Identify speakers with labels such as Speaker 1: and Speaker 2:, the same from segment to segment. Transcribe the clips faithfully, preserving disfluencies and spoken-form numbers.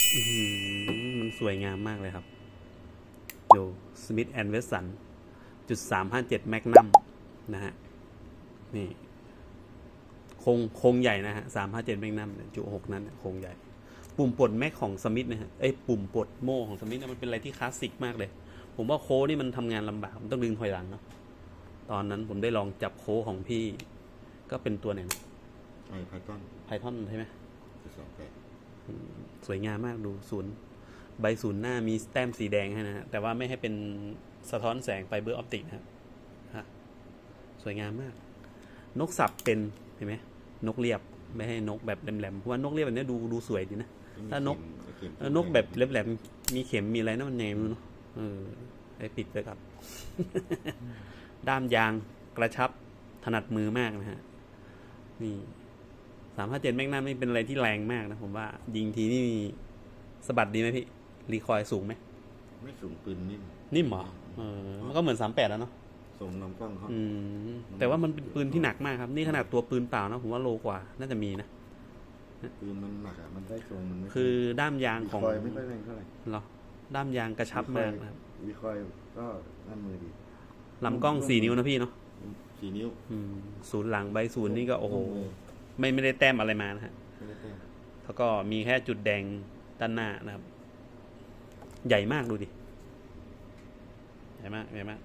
Speaker 1: อื้อหือมันสวยงามมากเลยครับดู Smith แอนด์ Wesson จุดสามห้าเจ็ดแมกนัมนะฮะนี่โครงโครงใหญ่นะฮะสามห้าเจ็ดแมกนัมจุหกนั้นโครงใหญ่ปุ่มปลดแม็กของสมิธนะฮะเอ้ยปุ่มปลดโม่ของสมิธนะมันเป็นอะไรที่คลาสสิกมากเลยผมว่าโค้นี่มันทำงานลำบากมันต้องดึงถอยหลังเนาะตอนนั้นผมได้ลองจับโค้ของพี่ก็เป็นตัวไหนนะ
Speaker 2: ไอไพทอน
Speaker 1: ไพทอนใช่ไหม
Speaker 2: สองแปด
Speaker 1: สวยงามมากดูศูนย์ใบศูนย์หน้ามีแต้มสีแดงให้นะฮะแต่ว่าไม่ให้เป็นสะท้อนแสงไฟเบอร์ออปติกนะครับฮะสวยงามมากนกสับเป็นเห็นไหมนกเรียบไม่ให้นกแบบแหลมๆเพราะว่านกเรียบแบบนี้ดูดูสวยดีนะถ้านกนกแบบแหลมๆมีเข็มมีอะไรนั่นมันไงไม่รู้เนาะเออไอ้ปิดเลยครับ ด้ามยางกระชับถนัดมือมากนะฮะนี่สามห้าเจ็ดแมกนัมนี่เป็นอะไรที่แรงมากนะผมว่ายิงทีนี่สะบัดดีไหมพี่รีคอยล์สูงไหม
Speaker 2: ไม่สูงปืนนิ่ม
Speaker 1: นิ่มเหรอเออมันก็เหมือนสามแปดแล้วเนาะ
Speaker 2: ส่งลำกล้องเขา
Speaker 1: อืมแต่ว่ามันเป็นปืนที่หนักมากครับนี่ขนาดตัวปืนเปล่านะผมว่าโลกว่าน่าจะมีนะ
Speaker 2: ปืนมันหนักอ่ะมันได้ทรงมันไม่
Speaker 1: คือด้ามยาง
Speaker 2: วี
Speaker 1: ของ
Speaker 2: คอยไม่ค่อยแรงเท่าไหร่
Speaker 1: เหรอด้ามยางกระชับมากนะครับ
Speaker 2: วีคอยก็นั่นมือดี
Speaker 1: ลำกล้องสี่นิ้วนะพี่เนาะ
Speaker 2: สี่นิ้ว
Speaker 1: อืมศูนย์หลังใบศูนย์นี่ก็โอ้โห
Speaker 2: มือ
Speaker 1: ไม่ไม่ได้แต้มอะไรมานะฮะ
Speaker 2: ไม่ได้แต้ม
Speaker 1: แล้วก็มีแค่จุดแดงด้านหน้านะครับ ใหญ่มากดูดิใหญ่มากใหญ่มาก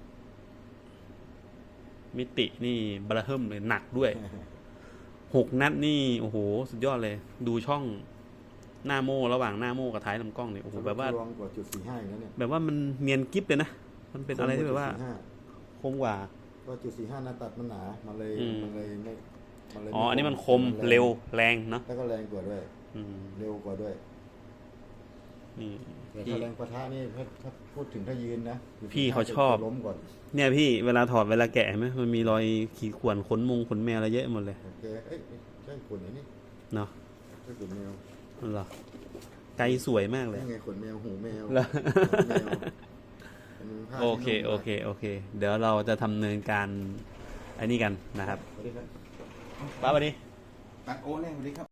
Speaker 1: มิตินี่บราเฮิมเลยหนักด้วยหกนัดนี่โอ้โหสุดยอดเลย ดูช่องหน้าโม่ระหว่างหน้าโม่กับท้ายลำกล้องเนี่ยโอ้โหแบบว่า
Speaker 2: รองกว่าจุดสี่ห้าอย่างนั้นเนี่ย
Speaker 1: แบบว่ามันเนียนกิ๊บเลยนะมันเป็นอะไรที่แบบว่า
Speaker 2: จุดสี่ห้
Speaker 1: คมกว่า
Speaker 2: ก็จุดสี่ห้าหน้าตัดมันหนามันเลย
Speaker 1: อืม
Speaker 2: มันเลยไม่มันเลย
Speaker 1: อ๋ออันนี้มันคม
Speaker 2: แง
Speaker 1: เร็วแรงเนาะ
Speaker 2: แล้วก็แรงกว่าด้วย
Speaker 1: อืม
Speaker 2: เร็วกว่าด้วย
Speaker 1: นี่
Speaker 2: แต่
Speaker 1: พี่
Speaker 2: ถ้าแรงปะทะนี่ถ้าถ้าพูดถึงถ้ายืนนะ
Speaker 1: พี่เขาชอบ
Speaker 2: จะล้มก่อน
Speaker 1: เนี่ยพี่เวลาถอดเวลาแกะเห็นไหมมันมีรอยขีดข่วนขนมงขนแมวอะไรเยอะหมดเลย
Speaker 2: โอเคเอ้ยใช่ขนไอ้นี่
Speaker 1: เนาะ
Speaker 2: ใช่ขนแมว
Speaker 1: นั่นเหรอไกลสวยมากเลย
Speaker 2: นี่ไงขนแมวหูแมว
Speaker 1: เหรอ
Speaker 2: หูแมวเป็นผ้า
Speaker 1: โอเค
Speaker 2: ที่นุ่ม
Speaker 1: โอเคโอเค เดี๋ยวเราจะทำเนินการอันนี้กันนะครับ
Speaker 2: สวัสดีครับ
Speaker 1: ป้าสวัสดี
Speaker 2: ตัดโอ้แน่สวัสดีครับ